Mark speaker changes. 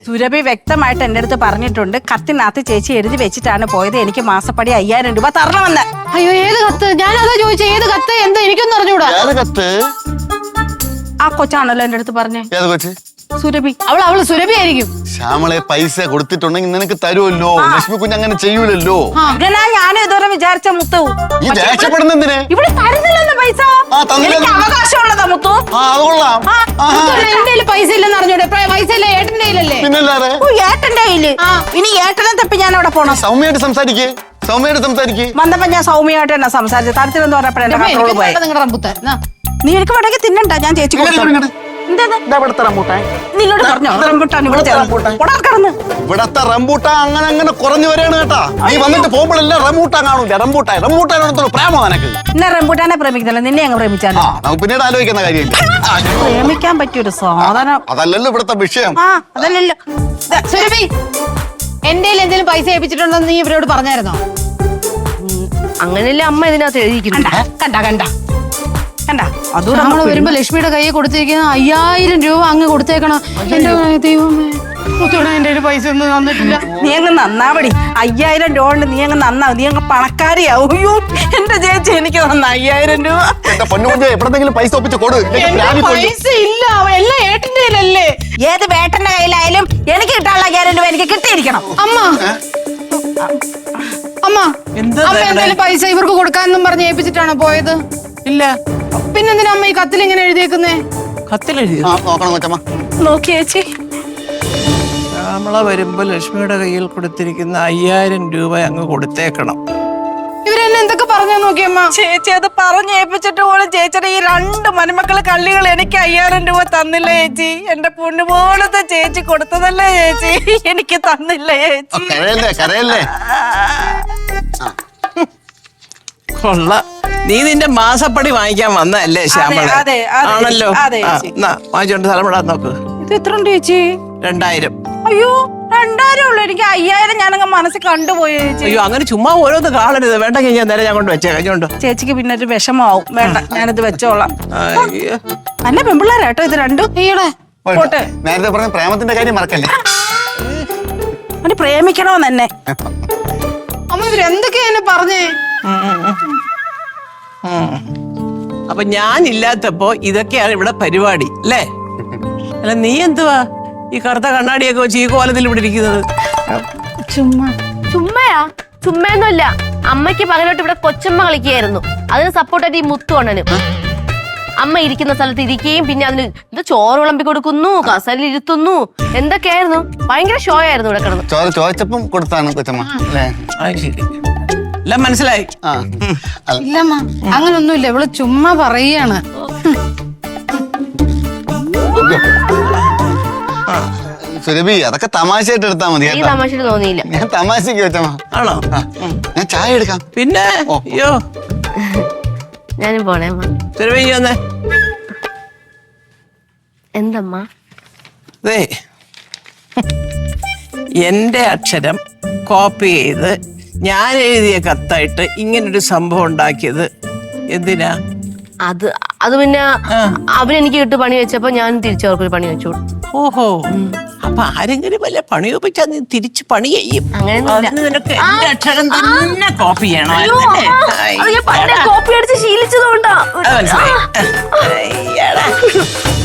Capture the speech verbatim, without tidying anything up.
Speaker 1: സുരഭി വ്യക്തമായിട്ട് എന്റെ അടുത്ത് പറഞ്ഞിട്ടുണ്ട്, കത്തിനകത്ത് ചേച്ചി എഴുതി വെച്ചിട്ടാണ് പോയത്, എനിക്ക് മാസപ്പടി അയ്യായിരം രൂപ തരണമെന്ന്.
Speaker 2: അയ്യോ ഏത് കത്ത്? ഞാൻ അതാ ചോദിച്ചത്, ഏത് കത്ത്? എന്താ എനിക്കൊന്നും അറിഞ്ഞൂടാ.
Speaker 1: ആ കൊച്ചാണല്ലോ എന്റെ അടുത്ത് പറഞ്ഞേ. സുരഭി.
Speaker 2: അവൾ അവള് സുരഭി ആയിരിക്കും.
Speaker 3: ശ്യാമളെ പൈസ കൊടുത്തിട്ടുണ്ടെങ്കിൽ നിനക്ക് തരുമല്ലോ. ലക്ഷ്മി കുഞ്ഞ് അങ്ങനെ ചെയ്യൂലല്ലോ.
Speaker 1: അങ്ങനെ ഞാൻ ഇതുവരെ വിചാരിച്ച മുത്തു.
Speaker 3: ഈ ദേഷ്യപ്പെടുന്ന എന്തിനെ?
Speaker 1: ഇവിടെ തരുന്നില്ലല്ലോ പൈസ. എനിക്ക് അവകാശമുള്ളതാ മുത്തു.
Speaker 2: എന്റെ പൈസ ഇല്ലെന്ന് അറിഞ്ഞൂടെ? പൈസ ഇല്ല ഏട്ടന്റെ കയ്യിലല്ലേ?
Speaker 3: പിന്നല്ലാതെ
Speaker 1: ഏട്ടന്റെ കയ്യില്. ഇനി ഏട്ടനെ തപ്പി ഞാൻ അവിടെ പോണം.
Speaker 3: സൗമ്യമായിട്ട് സംസാരിക്കേ, സൗമ്യമായിട്ട് സംസാരിക്കേ.
Speaker 1: വന്നപ്പോ ഞാൻ സൗമ്യമായിട്ട് തന്നെ സംസാരിച്ചു. തരത്തിലെന്ന് പറഞ്ഞപ്പോഴേ
Speaker 2: നിങ്ങളുടെ റംബുത്താൻ
Speaker 1: നീ എനിക്ക് വേണമെങ്കിൽ തിന്നണ്ട, ഞാൻ ചേച്ചി നിന്നോട് പറഞ്ഞോ റംബൂട്ടാൻ
Speaker 3: ഇവിടത്തെ റംബൂട്ടാൻ അങ്ങനെ അങ്ങനെ കുറഞ്ഞു വരെയാണ് കേട്ടാ. നീ വന്നിട്ട് പോകുമ്പോഴല്ലേ റംബൂട്ടാൻ കാണൂല. റംബൂട്ടാൻ റംബൂട്ടാനോടത്തുള്ള പ്രേമോ നിനക്ക്?
Speaker 1: എന്നെ റംബൂട്ടാനെ പ്രേമിക്കുന്നില്ല, നിന്നെ അങ്ങ് പ്രേമിച്ചാലോ?
Speaker 3: നമുക്ക് പിന്നീട് ആലോചിക്കുന്ന കാര്യമില്ല.
Speaker 1: പ്രേമിക്കാൻ പറ്റിയൊരു സാധനം
Speaker 3: അതല്ലല്ലോ ഇവിടത്തെ വിഷയം.
Speaker 1: ആ അതല്ലല്ലോ.
Speaker 2: സുരഭി, എന്റെ എന്തെങ്കിലും പൈസ ഏൽപ്പിച്ചിട്ടുണ്ടോ നീ ഇവരോട് പറഞ്ഞായിരുന്നോ?
Speaker 4: അങ്ങനെയല്ലേ അമ്മ ഇതിനകത്ത് എഴുതിയിരിക്കുന്നു.
Speaker 1: കണ്ട കണ്ട കണ്ട അത്
Speaker 2: നമ്മള് വരുമ്പോ ലക്ഷ്മിയുടെ കയ്യിൽ കൊടുത്തേക്കുന്ന അയ്യായിരം രൂപ അങ്ങ് കൊടുത്തേക്കണം. എന്റെ ദൈവമേ, എന്റെ ഒരു പൈസ ഒന്നും തന്നിട്ടില്ല.
Speaker 1: നീ അങ്ങ് നന്നാവടി. അയ്യായിരം രൂപ കൊണ്ട് നീ അങ്ങ് നന്നാവും, നീ അങ്ങ് പണക്കാരിയാവും. അയ്യോ എന്റെ ചേച്ചി എനിക്ക് തന്ന അയ്യായിരം രൂപ.
Speaker 3: എവിടെങ്കിലും പൈസ ഒപ്പിച്ച് കൊടു.
Speaker 2: പൈസ ഇല്ല, എല്ലാം ഏട്ടന്റെ കയ്യിലല്ലേ.
Speaker 1: ഏത് വേട്ടന്റെ കയ്യിലായാലും എനിക്ക് കിട്ടാനുള്ള അയ്യായിരം രൂപ എനിക്ക് കിട്ടിയിരിക്കണം.
Speaker 2: അമ്മ അമ്മ അമ്മ എന്തായാലും പൈസ ഇവർക്ക് കൊടുക്കാന്നും പറഞ്ഞ് ഏൽപ്പിച്ചിട്ടാണോ പോയത്?
Speaker 5: ഇല്ല.
Speaker 2: പിന്നെന്തിനാ അമ്മ ഈ കത്തിൽ ഇങ്ങനെ എഴുതിയേക്കുന്നേ?
Speaker 5: കത്തിലെഴുതി
Speaker 1: നോക്കി ചേച്ചി.
Speaker 5: ശ്യാമള വരുമ്പോ ലക്ഷ്മിയുടെ കയ്യിൽ കൊടുത്തിരിക്കുന്ന അയ്യായിരം രൂപ അങ്ങ് കൊടുത്തേക്കണം.
Speaker 2: ഇവരെന്നെ എന്തൊക്കെ പറഞ്ഞാ നോക്കിയമ്മ.
Speaker 1: ചേച്ചി അത് പറഞ്ഞേൽപ്പിച്ചിട്ട് പോലും ചേച്ചിയുടെ ഈ രണ്ട് മരുമക്കള് കള്ളികൾ എനിക്ക് അയ്യായിരം രൂപ തന്നില്ല ചേച്ചി. എന്റെ പൊന്നു പോലത്തെ ചേച്ചി കൊടുത്തതല്ലേ ചേച്ചി, എനിക്ക് തന്നില്ല ചേച്ചി.
Speaker 3: കരയല്ലേ കരയല്ലേ.
Speaker 5: കൊള്ള, നീ നിന്റെ മാസപ്പടി വാങ്ങിക്കാൻ വന്നല്ലേ ശ്യാമള? ആണല്ലോ. വാങ്ങിച്ചോണ്ട് സ്ഥലമിടാൻ നോക്ക്.
Speaker 1: ഇത് എത്ര ഉണ്ട് ചേച്ചി?
Speaker 5: രണ്ടായിരം.
Speaker 1: അയ്യോ രണ്ടായിരം ഉള്ളു. എനിക്ക് അയ്യായിരം ഞാനങ്ങ് മനസ്സിൽ കണ്ടുപോയി ചേച്ചി.
Speaker 5: അയ്യോ അങ്ങനെ ചുമ്മാ ഓരോന്ന് കാണരുത്. വേണ്ടെങ്കിൽ ഞാൻ നേരെ ഞാൻ കൊണ്ട് വെച്ചേ കഴിഞ്ഞോണ്ടോ.
Speaker 1: ചേച്ചിക്ക് പിന്നെ ഒരു വിഷമാവും. വേണ്ട, ഞാനിത് വെച്ചോളാം. നല്ല പെമ്പിള്ളേരാട്ടോ ഇത് രണ്ടും.
Speaker 3: നേരത്തെ പറഞ്ഞ പ്രേമത്തിന്റെ കാര്യം മറക്കല്ലേ.
Speaker 1: അവന് പ്രേമിക്കണോന്ന് തന്നെ.
Speaker 2: അമ്മ ഇവരെന്തൊക്കെയാ എന്നെ പറഞ്ഞേ?
Speaker 5: അപ്പൊ ഞാനില്ലാത്തപ്പോ ഇതൊക്കെയാണ് ഇവിടെ പരിപാടി അല്ലേ? അല്ല നീ എന്തുവാ ഈ കറുത്ത കണ്ണാടിയൊക്കെ വെച്ച് ഈ കോലത്തിൽ ഇവിടെ ഇരിക്കുന്നത്?
Speaker 1: ചുമ്മാ
Speaker 4: ചുമ്മയാ? ചുമ്മയൊന്നുമില്ല. അമ്മയ്ക്ക് പകലോട്ട് ഇവിടെ കൊച്ചമ്മ കളിക്കുകയായിരുന്നു. അതിന് സപ്പോർട്ടായിട്ട് ഈ മുത്തു അണ്ണനും. അമ്മ ഇരിക്കുന്ന സ്ഥലത്ത് ഇരിക്കുകയും പിന്നെ അതിന് ഇത് ചോറ് വിളമ്പി കൊടുക്കുന്നു, കസലിൽ ഇരുത്തുന്നു, എന്തൊക്കെയായിരുന്നു. ഭയങ്കര ഷോ ആയിരുന്നു ഇവിടെ കിടന്നു.
Speaker 3: ചോറ് ചോദിച്ചപ്പം കൊടുത്താണ് കൊച്ചമ്മ അല്ലേ?
Speaker 5: എല്ലാം മനസ്സിലായി.
Speaker 2: ഇല്ലമ്മ അങ്ങനൊന്നുമില്ല, ഇവള് ചുമ്മാ പറയാണ്.
Speaker 3: സുരഭി അതൊക്കെ തമാശയായിട്ട് എടുത്താ മതി.
Speaker 4: തമാശ തോന്നിയില്ല.
Speaker 3: ഞാൻ തമാശക്ക് വെച്ചമ്മ.
Speaker 5: ആണോ?
Speaker 3: ഞാൻ ചായ എടുക്കാം.
Speaker 5: പിന്നെ അയ്യോ
Speaker 4: ഞാനും പോണേ.
Speaker 5: സുരഭി വന്നേ.
Speaker 4: എന്തമ്മ?
Speaker 5: അതെ, എന്റെ അക്ഷരം കോപ്പി ചെയ്ത് ഞാൻ എഴുതിയ കത്തായിട്ട് ഇങ്ങനൊരു സംഭവം ഉണ്ടാക്കിയത് എന്തിനാ?
Speaker 4: അത് അത് പിന്നെ അവനെനിക്ക് കിട്ടു പണി വെച്ചപ്പോ ഞാൻ തിരിച്ചവർക്കൊരു പണി വെച്ചു.
Speaker 5: ഓഹോ, അപ്പൊ ആരെങ്കിലും വല്ല പണി ഒപ്പിച്ചാ നീ തിരിച്ച് പണി ചെയ്യും. നിനക്ക് എന്റെ അക്ഷരം തന്നെ കോപ്പി ചെയ്യണോ?
Speaker 4: കോപ്പി അടിച്ച് ശീലിച്ചതുകൊണ്ടാ.
Speaker 5: മനസ്സിലായി.